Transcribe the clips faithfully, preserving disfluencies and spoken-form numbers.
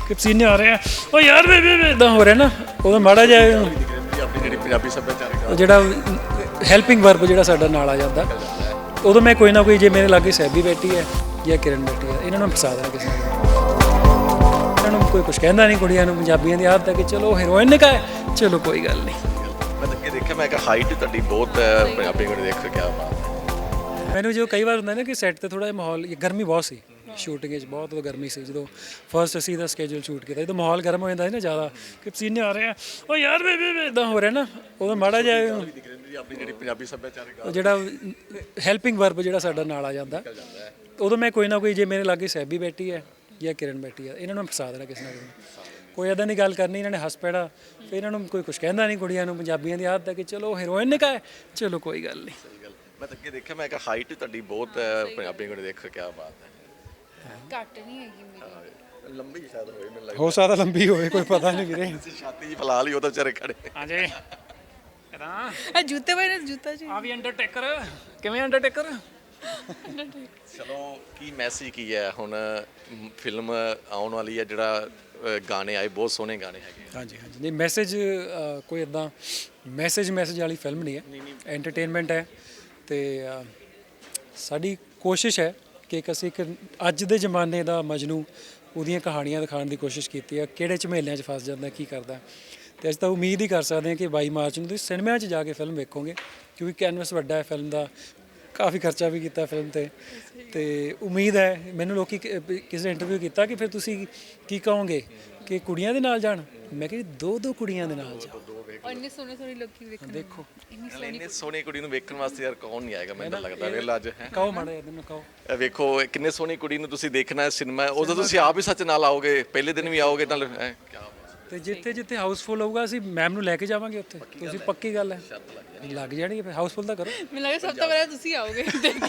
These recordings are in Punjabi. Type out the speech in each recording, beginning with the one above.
ਕਿ ਪਸੀਨੇ ਆ ਰਹੇ ਆ ਉਹ ਯਾਰ ਵੇ ਵੇ ਇਦਾਂ ਹੋ ਰਿਹਾ ਨਾ ਉਹਦਾ ਮਾੜਾ ਜਿਹਾ ਆਪਣੀ ਜਿਹੜੀ ਪੰਜਾਬੀ ਸੱਭਿਆਚਾਰਕ ਉਹ ਜਿਹੜਾ ਹੈਲਪਿੰਗ ਵਰਬ ਜਿਹੜਾ ਸਾਡਾ ਨਾਲ ਆ ਜਾਂਦਾ ਉਦੋਂ ਮੈਂ ਕੋਈ ਨਾ ਕੋਈ ਜੇ ਮੇਰੇ ਲਾਗੇ ਸੈਬੀ ਬੈਠੀ ਹੈ ਜਾਂ ਕਿਰਨ ਬੈਠੀ ਹੈ ਇਹਨਾਂ ਨੂੰ ਫਸਾ ਦੇਣਾ ਕਿਸੇ ਨੇ ਇਹਨਾਂ ਨੂੰ ਕੋਈ ਕੁਝ ਕਹਿੰਦਾ ਨਹੀਂ ਕੁੜੀਆਂ ਨੂੰ ਪੰਜਾਬੀਆਂ ਦੀ ਆਦਤ ਹੈ ਕਿ ਚਲੋ ਹੀਰੋਇਨ ਨੇ ਕਹਾ ਚਲੋ ਕੋਈ ਗੱਲ ਨਹੀਂ ਮੈਂ ਤਾਂ ਅੱਗੇ ਦੇਖਿਆ ਮੈਂ ਕਿਹਾ ਹਾਈਟ ਤੁਹਾਡੀ ਬਹੁਤ ਹੈ ਪੰਜਾਬੀ ਕੋਲ ਦੇਖ ਕੇ ਕਿਆ ਬਾਤ ਹੈ। ਮੈਨੂੰ ਜੋ ਕਈ ਵਾਰ ਹੁੰਦਾ ਨਾ ਕਿ ਸੈੱਟ ਤੇ ਥੋੜਾ ਜਿਹਾ ਮਾਹੌਲ ਗਰਮੀ ਬਹੁਤ ਸੀ ਸ਼ੂਟਿੰਗ ਵਿੱਚ ਬਹੁਤ ਗਰਮੀ ਸੀ ਜਦੋਂ ਫਰਸਟ ਅਸੀਂ ਦਾ ਸਕੇਜੂਲ ਸ਼ੂਟ ਕੀਤਾ ਜਦੋਂ ਮਾਹੌਲ ਗਰਮ ਹੋ ਜਾਂਦਾ ਸੀ ਨਾ ਜ਼ਿਆਦਾ ਕਿ ਪਸੀਨੇ ਆ ਰਹੇ ਆ ਉਹ ਯਾਰ ਵੇ ਵੇ ਇਦਾਂ ਹੋ ਰਿਹਾ ਨਾ ਉਹਦਾ ਮਾੜਾ ਜਿਹਾ ਆਪਣੀ ਜਿਹੜੀ ਪੰਜਾਬੀ ਸੱਭਿਆਚਾਰਕ ਉਹ ਜਿਹੜਾ ਹੈਲਪਿੰਗ ਵਰਬ ਜਿਹੜਾ ਸਾਡਾ ਨਾਲ ਆ ਜਾਂਦਾ ਉਦੋਂ ਮੈਂ ਕੋਈ ਨਾ ਕੋਈ ਜੇ ਮੇਰੇ ਲਾਗੇ ਸੈਬੀ ਬੈਠੀ ਹੈ ਜਾਂ ਕਿਰਨ ਬੈਠੀ ਹੈ ਇਹਨਾਂ ਨੂੰ ਫਸਾ ਦੇਣਾ ਕਿਸੇ ਨਾ ਕਿਸੇ ਕੋਈ ਇੱਦਾਂ ਦੀ ਗੱਲ ਕਰਨੀ ਇਹਨਾਂ ਨੇ ਹੱਸ ਪੈਣਾ ਫਿਰ ਇਹਨਾਂ ਨੂੰ ਕੋਈ ਕੁਝ ਕਹਿੰਦਾ ਨਹੀਂ ਕੁੜੀਆਂ ਨੂੰ ਪੰਜਾਬੀਆਂ ਦੀ ਆਦਤ ਹੈ ਕਿ ਚਲੋ ਹੀਰੋਇਨ ਨੇ ਕਹਾ ਚਲੋ ਕੋਈ ਗੱਲ ਨਹੀਂ ਮੈਂ ਤਾਂ ਅੱਗੇ ਦੇਖਿਆ ਮੈਂ ਕਿਹਾ ਹਾਈਟ ਤੁਹਾਡੀ ਬਹੁਤ ਹੈ ਪੰਜਾਬੀ ਕੋਲ ਦੇਖ ਕੇ ਕਿਆ ਬਾਤ ਹੈ। ਘੱਟ ਨਹੀਂ ਹੈਗੀ ਮੇਰੀ ਲੰਬੀ ਸ਼ਾਇਦ ਹੋਏ ਮੈਨੂੰ ਲੱਗਦਾ ਹੋ ਸਕਦਾ ਲੰਬੀ ਹੋਵੇ ਕੋਈ ਪਤਾ ਨਹੀਂ ਵੀਰੇ ਛਾਤੀ ਜੀ ਫਲਾ ਲਈ ਉਹ ਤਾਂ ਵਿਚਾਰੇ ਖੜੇ ਹਾਂਜੀ ਇਦਾਂ ਆ ਜੁੱਤੇ ਪਾਏ ਨੇ ਜੁੱਤਾ ਜੀ ਆ ਵੀ ਅੰਡਰਟੇਕਰ ਕਿਵੇਂ ਅੰਡਰਟੇਕਰ ਚਲੋ ਕੀ ਮੈਸੇਜ ਕੀ ਹੈ ਹੁਣ ਫਿਲਮ ਆਉਣ ਵਾਲੀ ਹੈ ਜਿਹੜਾ ਅ, ਗਾਣੇ ਆਏ ਬਹੁਤ ਸੋਹਣੇ ਗਾਣੇ ਹੈਗੇ ਹਾਂਜੀ ਹਾਂਜੀ ਨਹੀਂ ਮੈਸੇਜ ਕੋਈ ਇਦਾਂ ਮੈਸੇਜ ਮੈਸੇਜ ਵਾਲੀ ਫਿਲਮ ਨਹੀਂ ਹੈ ਐਂਟਰਟੇਨਮੈਂਟ ਹੈ ਤੇ ਅ, ਸਾਡੀ ਕੋਸ਼ਿਸ਼ ਹੈ ਕਿ ਇੱਕ ਅਸੀਂ ਇੱਕ ਅੱਜ ਦੇ ਜ਼ਮਾਨੇ ਦਾ ਮਜਨੂ ਉਹਦੀਆਂ ਕਹਾਣੀਆਂ ਦਿਖਾਉਣ ਦੀ ਕੋਸ਼ਿਸ਼ ਕੀਤੀ ਹੈ ਕਿਹੜੇ ਝਮੇਲਿਆਂ 'ਚ ਫਸ ਜਾਂਦਾ ਕੀ ਕਰਦਾ ਤੇ ਅਸੀਂ ਤਾਂ ਉਮੀਦ ਹੀ ਕਰ ਸਕਦੇ ਹਾਂ ਕਿ ਬਾਈ ਮਾਰਚ ਨੂੰ ਤੁਸੀਂ ਸਿਨੇਮਾ 'ਚ ਜਾ ਕੇ ਫਿਲਮ ਵੇਖੋਗੇ ਕਿਉਂਕਿ ਕੈਨਵਸ ਵੱਡਾ ਹੈ ਫਿਲਮ ਦਾ ਕਾਫੀ ਖਰਚਾ ਵੀ ਕੀਤਾ ਫਿਲਮ ਤੇ ਤੇ ਉਮੀਦ ਹੈ ਮੈਨੂੰ ਲੋਕੀ ਕਿ- ਵੀ ਕਿਸੇ ਇੰਟਰਵਿਊ ਕੀਤਾ ਕਿ ਫਿਰ ਤੁਸੀਂ ਕੀ ਕਹੋਗੇ ਕਿ ਕੁੜੀਆਂ ਦੇ ਨਾਲ ਜਾਣ ਮੈਂ ਕਿਹਾ ਜੀ ਦੋ ਦੋ ਕੁੜੀਆਂ ਦੇ ਨਾਲ ਜਾਓ ਔਰ ਇੰਨੇ ਸੋਹਣੇ ਸੋਹਣੇ ਲੋਕੀ ਵੇਖਣ ਦੇਖੋ ਇੰਨੀ ਨਾਲੇ ਇੰਨੇ ਸੋਹਣੀ ਕੁੜੀ ਨੂੰ ਵੇਖਣ ਵਾਸਤੇ ਯਾਰ ਕੌਣ ਨਹੀਂ ਆਏਗਾ ਮੈਨੂੰ ਤਾਂ ਲੱਗਦਾ ਵੇਲਾ ਅੱਜ ਹੈ ਕਹੋ ਮਾੜਾ ਜਿਹਾ ਮੈਨੂੰ ਕਹੋ ਇਹ ਵੇਖੋ ਇਹ ਕਿੰਨੇ ਸੋਹਣੀ ਕੁੜੀ ਨੂੰ ਤੁਸੀਂ ਦੇਖਣਾ ਹੈ ਸਿਨੇਮਾ ਉਦੋਂ ਤੁਸੀਂ ਆਪ ਹੀ ਸੱਚ ਨਾਲ ਆਓਗੇ ਪਹਿਲੇ ਦਿਨ ਵੀ ਆਓਗੇ ਤਾਂ ਹੈਂ, ਕਿਆ ਬਾਤ ਹੈ। ਤੇ ਜਿੱਥੇ ਜਿੱਥੇ ਹਾਊਸਫੁੱਲ ਹੋਊਗਾ ਅਸੀਂ ਮੈਮ ਨੂੰ ਲੈ ਕੇ ਜਾਵਾਂਗੇ ਉੱਥੇ ਤੁਸੀਂ ਪੱਕੀ ਗੱਲ ਹੈ ਲੱਗ ਜਾਣੀ ਫਿਰ ਹਾਊਸਫੁੱਲ ਤਾਂ ਕਰੋ ਮੈਨੂੰ ਲੱਗਾ ਸਭ ਤੋਂ ਪਹਿਲਾਂ ਤੁਸੀਂ ਆਓਗੇ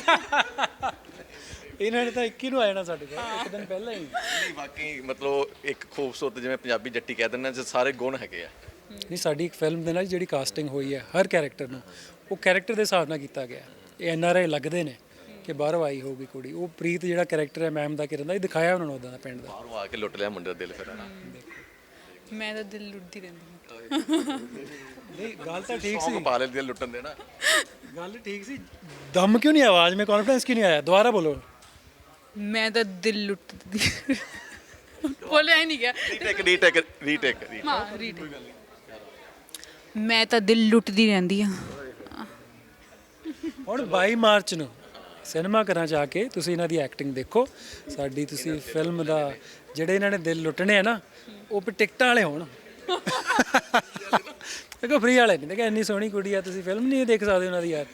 ਇਹਨਾਂ ਨੇ ਤਾਂ ਇੱਕੀ ਨੂੰ ਆ ਜਾਣਾ ਸਾਡੇ ਕੋਲ ਇੱਕ ਦਿਨ ਪਹਿਲਾਂ ਹੀ ਨਹੀਂ ਵਾਕਈ ਮਤਲਬ ਇੱਕ ਖੂਬਸੂਰਤ ਜਿਵੇਂ ਪੰਜਾਬੀ ਜੱਟੀ ਕਹਿ ਦਿੰਦੇ ਨੇ ਸਾਰੇ ਗੁਣ ਹੈਗੇ ਆ ਨਹੀਂ ਸਾਡੀ ਇੱਕ ਫਿਲਮ ਦੇ ਨਾਲ ਜਿਹੜੀ ਕਾਸਟਿੰਗ ਹੋਈ ਹੈ ਹਰ ਕੈਰੈਕਟਰ ਨੂੰ ਉਹ ਕੈਰੈਕਟਰ ਦੇ ਹਿਸਾਬ ਨਾਲ ਕੀਤਾ ਗਿਆ ਇਹ ਐਨ ਆਰ ਆਈ ਲੱਗਦੇ ਨੇ ਕਿ ਬਾਹਰੋਂ ਆਈ ਹੋਊਗੀ ਕੁੜੀ ਉਹ ਪ੍ਰੀਤ ਜਿਹੜਾ ਕੈਰੈਕਟਰ ਹੈ ਮੈਮ ਦਾ ਕਿਰਨ ਦਾ ਇਹ ਦਿਖਾਇਆ ਉਹਨਾਂ ਨੂੰ ਉਦਾਂ ਦਾ ਪਿੰਡ ਦਾ ਬਾਹਰੋਂ ਆ ਕੇ ਲੁੱਟ ਲਿਆ ਮੁੰਡੇ ਦਾ ਦਿਲ ਫਿਰ ਹਨਾ ਮੈਂ ਤਾਂ ਦਿਲ ਲੁੱਟਦੀ ਰਹਿੰਦੀ ਹਾਂ ਨਹੀਂ ਗੱਲ ਤਾਂ ਠੀਕ ਸੌਂਗ ਪਾ ਲੈ ਦਿਲ ਲੁੱਟਣ ਦੇ ਨਾ ਗੱਲ ਠੀਕ ਸੀ ਦਮ ਕਿਉਂ ਨਹੀਂ ਆਵਾਜ਼ में कॉन्फिडेंस क्यों नहीं आया दोबारा बोलो ਮੈਂ ਤਾਂ ਦਿਲ ਲੁੱਟਦੀ ਬੋਲਿਆ ਹੀ ਨਹੀਂ ਗਿਆ ਰੀਟੇਕ ਰੀਟੇਕ ਰੀਟੇਕ ਹਾਂ ਰੀਡ ਮੈਂ ਤਾਂ ਦਿਲ ਲੁੱਟਦੀ ਰਹਿੰਦੀ ਹਾਂ ਹੁਣ ਬਾਈ ਮਾਰਚ ਨੂੰ ਸਿਨੇਮਾ ਘਰਾਂ 'ਚ ਆ ਕੇ ਤੁਸੀਂ ਇਹਨਾਂ ਦੀ ਐਕਟਿੰਗ ਦੇਖੋ ਸਾਡੀ ਤੁਸੀਂ ਫਿਲਮ ਦਾ ਜਿਹੜੇ ਇਹਨਾਂ ਨੇ ਦਿਲ ਲੁੱਟਣੇ ਆ ਨਾ ਉਹ ਵੀ ਟਿਕਟਾਂ ਵਾਲੇ ਹੋਣ ਦੇਖੋ ਫ੍ਰੀ ਵਾਲੇ ਨਹੀਂ ਦੇਖੋ ਇੰਨੀ ਸੋਹਣੀ ਕੁੜੀ ਆ ਤੁਸੀਂ ਫਿਲਮ ਨਹੀਂ ਦੇਖ ਸਕਦੇ ਉਹਨਾਂ ਦੀ ਯਾਰ